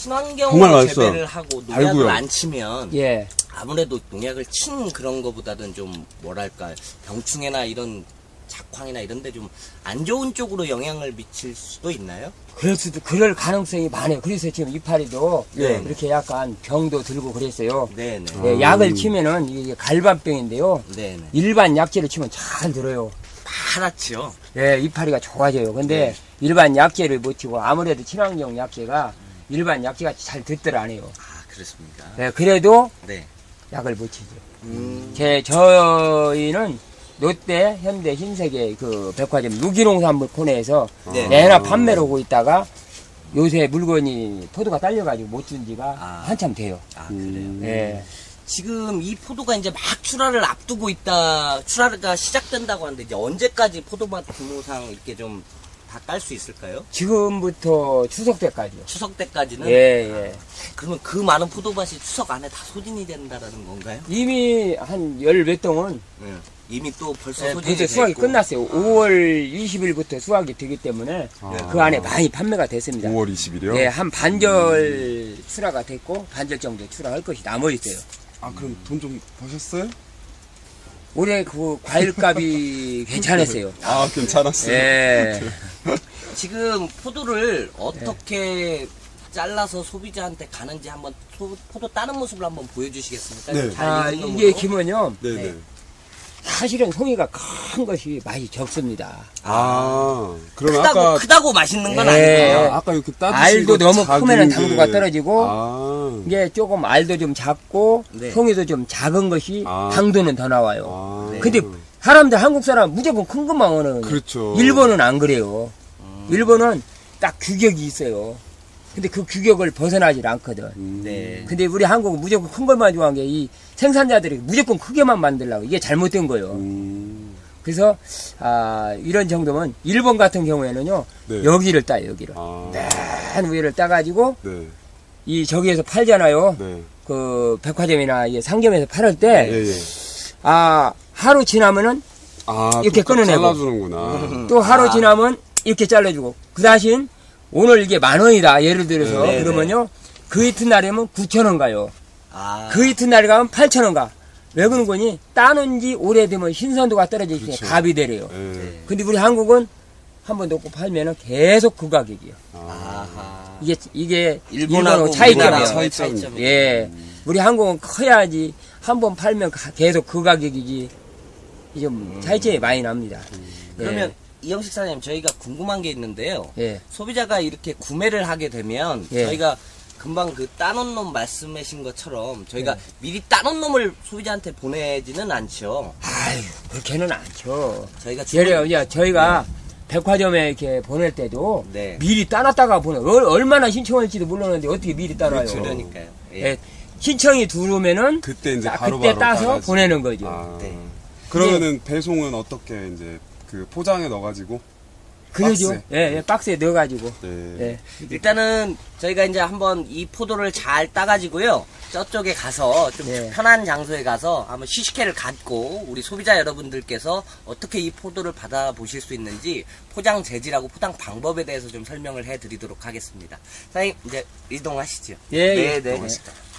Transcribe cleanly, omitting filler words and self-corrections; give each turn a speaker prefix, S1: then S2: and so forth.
S1: 친환경으로
S2: 맛있어요.
S1: 재배를 하고 농약을
S2: 달고요.
S1: 안 치면
S3: 예.
S1: 아무래도 농약을 친 그런 거보다는 좀 뭐랄까 병충해나 이런 작황이나 이런 데 좀 안 좋은 쪽으로 영향을 미칠 수도 있나요?
S3: 그럴 가능성이 많아요. 그래서 지금 이파리도
S1: 네.
S3: 이렇게 약간 병도 들고 그랬어요.
S1: 네네.
S3: 예, 약을 치면은 이게 갈반병인데요.
S1: 네네.
S3: 일반 약재를 치면 잘 들어요.
S1: 파랗죠.
S3: 예, 이파리가 좋아져요. 근데
S1: 네.
S3: 일반 약재를 못 치고 아무래도 친환경 약재가 일반 약재가 잘 듣들 안 해요.
S1: 아, 그렇습니까?
S3: 예, 그래도
S1: 네.
S3: 약을 못 치죠. 저희는 롯데, 현대, 흰색의 그 백화점 유기농산물 코너에서
S1: 네.
S3: 내나 판매를 하고 있다가 요새 물건이 포도가 딸려가지고 못 준 지가 한참 돼요.
S1: 아, 그래요?
S3: 예.
S1: 지금 이 포도가 이제 막 출하를 앞두고 있다, 출하가 시작된다고 하는데 이제 언제까지 포도맛 규모상 이렇게 좀 다 깔 수 있을까요?
S3: 지금부터 추석 때까지요.
S1: 추석 때까지는?
S3: 예, 예.
S1: 그러면 그 많은 포도밭이 추석 안에 다 소진이 된다라는 건가요?
S3: 이미 한 열 몇 동은
S1: 네. 이미 또 벌써
S3: 예,
S1: 소진이
S3: 벌써 수확이
S1: 됐고.
S3: 끝났어요. 5월 20일부터 수확이 되기 때문에 그 안에 많이 판매가 됐습니다.
S2: 5월 20일이요?
S3: 예, 한 반절 출하가 됐고 반절 정도 출하할 것이 남아 있어요.
S2: 아, 그럼 돈 좀 버셨어요?
S3: 올해 그 과일값이 괜찮았어요.
S2: 아, 괜찮았어요.
S3: 예.
S1: 지금 포도를 어떻게 잘라서 소비자한테 가는지 한번 포도 따는 모습을 한번 보여주시겠습니까?
S2: 네.
S1: 잘 익은
S3: 이게
S1: 놈으로.
S3: 기면요.
S2: 네네.
S1: 네.
S3: 사실은 송이가 큰 것이 맛이 적습니다.
S2: 아, 그러면 아까,
S1: 크다고 맛있는 건
S3: 예.
S1: 아니에요.
S2: 아까 이렇게 따주신
S3: 알도
S2: 거
S3: 너무
S2: 작은
S3: 크면은
S2: 게-
S3: 당도가 떨어지고
S2: 아,
S3: 이게 조금 알도 좀 작고
S1: 네.
S3: 송이도 좀 작은 것이
S2: 아.
S3: 당도는 더 나와요.
S2: 아.
S1: 네.
S3: 근데 사람들 한국 사람 무조건 큰 것만 원하는
S2: 그렇죠.
S3: 일본은 안 그래요. 일본은 딱 규격이 있어요. 근데 그 규격을 벗어나질 않거든.
S1: 네.
S3: 근데 우리 한국은 무조건 큰 것만 좋아한 게 이 생산자들이 무조건 크게만 만들려고 이게 잘못된 거예요. 그래서 이런 정도면 일본 같은 경우에는요.
S2: 네.
S3: 여기를 따요. 여기를.
S2: 아,
S3: 맨 위를 따가지고
S2: 네.
S3: 이 저기에서 팔잖아요.
S2: 네.
S3: 그 백화점이나 이 상점에서 팔을 때
S2: 예, 예.
S3: 하루 지나면은
S2: 아,
S3: 이렇게
S2: 또
S3: 끊어내고.
S2: 잘라주는구나.
S3: 또 하루 지나면 이렇게 잘라주고 그 대신 오늘 이게 10,000원이다 예를 들어서
S1: 네,
S3: 그러면요 그 이튿날이면 9,000원 가요.
S1: 아,
S3: 그 이튿날에 가면 8,000원 가. 왜 그런 거니? 따는 지 오래되면 신선도가 떨어지기 때문에
S2: 그렇죠.
S3: 값이 되래요.
S2: 예.
S3: 근데 우리 한국은 한 번 놓고 팔면은 계속 그 가격이에요.
S1: 아하.
S3: 이게
S1: 일본하고
S3: 일본하고 차이점이에요.
S1: 우리나라하고의
S2: 차이점.
S1: 차이점이에요.
S3: 예. 우리 한국은 커야지 한 번 팔면 계속 그 가격이지. 좀 차이점이 많이 납니다.
S1: 그러면 이영식 사장님 저희가 궁금한 게 있는데요.
S3: 예.
S1: 소비자가 이렇게 구매를 하게 되면
S3: 예.
S1: 저희가 금방 그 따놓은 놈 말씀하신 것처럼 저희가 미리 따놓은 놈을 소비자한테 보내지는 않죠.
S3: 아유, 그렇게는 않죠.
S1: 저희가
S3: 예를 들어, 저희가 백화점에 이렇게 보낼 때도
S1: 네.
S3: 미리 따놨다가 얼마나 신청할지도 몰랐는데 어떻게 미리 따놔요.
S1: 그러니까요. 예.
S3: 예, 신청이 들어오면은
S2: 그때 이제
S3: 그때
S2: 바로바로
S3: 따서
S2: 따가지고.
S3: 보내는 거죠.
S2: 아,
S1: 네.
S2: 그러면은 배송은 어떻게 이제 그 포장에 넣어가지고?
S3: 그러죠.
S2: 박스에.
S3: 예, 박스에 넣어가지고.
S2: 네.
S3: 예.
S1: 일단은 저희가 이제 한번 이 포도를 잘 따가지고요. 저쪽에 가서 좀
S3: 네.
S1: 편한 장소에 가서 한번 시식회를 갖고 우리 소비자 여러분들께서 어떻게 이 포도를 받아보실 수 있는지 포장 재질하고 포장 방법에 대해서 좀 설명을 해드리도록 하겠습니다. 사장님 이제 이동하시죠.
S3: 예,
S1: 네,
S3: 예.
S1: 네.
S2: 고맙습니다.